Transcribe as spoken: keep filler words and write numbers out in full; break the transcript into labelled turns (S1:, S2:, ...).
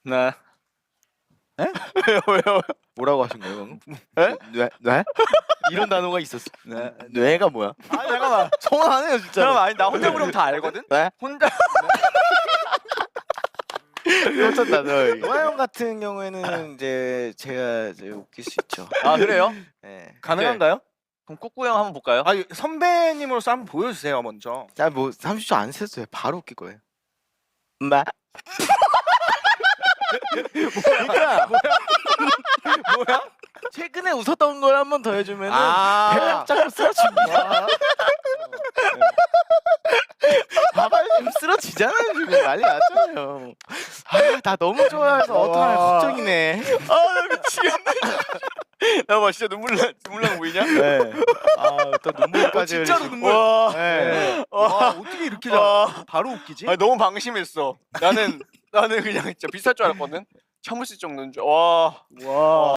S1: 네.
S2: 에?
S1: 왜요 왜요?
S2: 뭐라고 하신 거예요 방금?
S1: 에?
S2: 뇌? 뇌? 이런 단어가 있었어.
S1: 네.
S2: 뇌가 뭐야?
S1: 아니 잠깐만.
S2: 서운하네요 진짜.
S1: 잠깐만 아니 나 혼자 부르면 다 알거든?
S2: 네?
S1: 혼자
S2: 꽂혔다 너. 노아 형 같은 경우에는 이제 제가 이제 웃길 수 있죠.
S1: 아 그래요?
S2: 네.
S3: 가능한가요?
S1: 그럼 꾸꾸 형 한번 볼까요?
S3: 아 선배님으로서 한번 보여주세요 먼저.
S2: 자뭐 삼십 초 안 셌어요. 바로 웃길 거예요. 마. 그러니까
S3: 뭐야?
S2: 최근에 웃었던 걸 한 번 더 해주면은
S3: 아.
S2: 배가 쫙 쓰러집니다. 봐봐요 지금 쓰러지잖아요 지금 난리 났잖아요. 아나 너무 좋아해서 어떡하나
S3: 와.
S2: 걱정이네.
S1: 아 미치겠네. 나 봐 진짜 눈물 나 눈물 나고 보이냐?
S2: 네. 아또 눈물까지
S3: 진짜로
S2: 흘리시고.
S3: 눈물.
S1: 와.
S2: 네.
S3: 와 어떻게 이렇게
S1: 와.
S3: 잘 바로 웃기지?
S1: 아니 너무 방심했어. 나는 나는 그냥 진짜 비쌀 줄 알았거든. 참을 수 있을 정도인 줄. 와.
S3: 와.